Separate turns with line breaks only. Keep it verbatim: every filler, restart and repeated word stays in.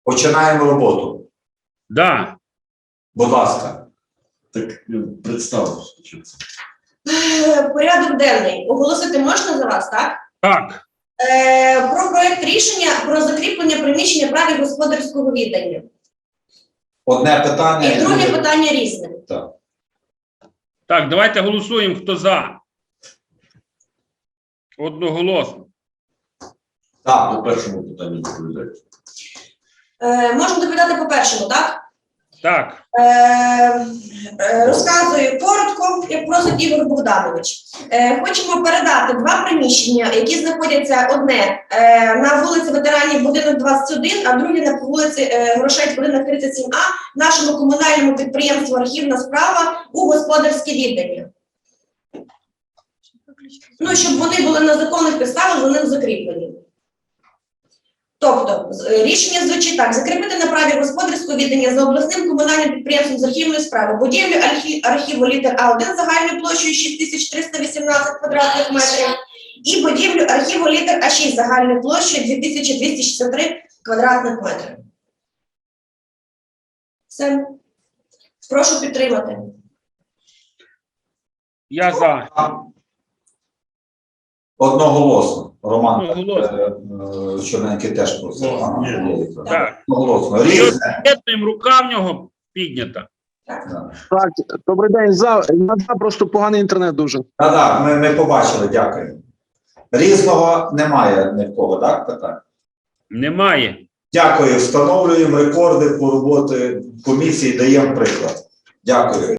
Починаємо роботу.
Да.
Будь ласка.
Так, представ.
Е, Порядок денний. Оголосити можна за вас, так?
Так.
Е, про проект рішення про закріплення приміщення правил господарського віддання.
Одне питання.
І друге
друге-
питання різне.
Так.
Так, давайте голосуємо, хто за. Одноголосно.
Так.
По першому питанню відповідаю.
Е, можна доповідати по першому, так?
Так.
Е, е, розказую коротко, як просить Ігор Богданович. Е, хочемо передати два приміщення, які знаходяться одне е, на вулиці Ветеранів будинок двадцять один, а друге на вулиці е, Грошець будинок тридцять сім А, нашому комунальному підприємству «Архівна справа» у господарське віддання. Ну, щоб вони були на законних підставах за ним закріплені. Тобто, рішення звучить так: закріпити на праві господарського віддання за обласним комунальним підприємством з архівної справи будівлю архів, архіву літер А один загальною площею шість тисяч триста вісімнадцять квадратних метрів і будівлю архіву літер А шість загальною площею дві тисячі двісті шістдесят три квадратних метрів. Все. Прошу підтримати.
Я за.
Одноголосно. Роман
Одноголосно.
е, е, Чорненький теж просив.
О,
Ага,
ні.
є.
Так.
Одноголосно. Різне.
Єднуємо, рука в нього піднята.
Так,
Так, добрий день. За, я за, просто поганий інтернет дуже.
так, так, ми, ми побачили, дякую. Різного немає ні в кого, так, питань?
Немає.
Дякую. Встановлюємо рекорди по роботі комісії, даємо приклад. Дякую.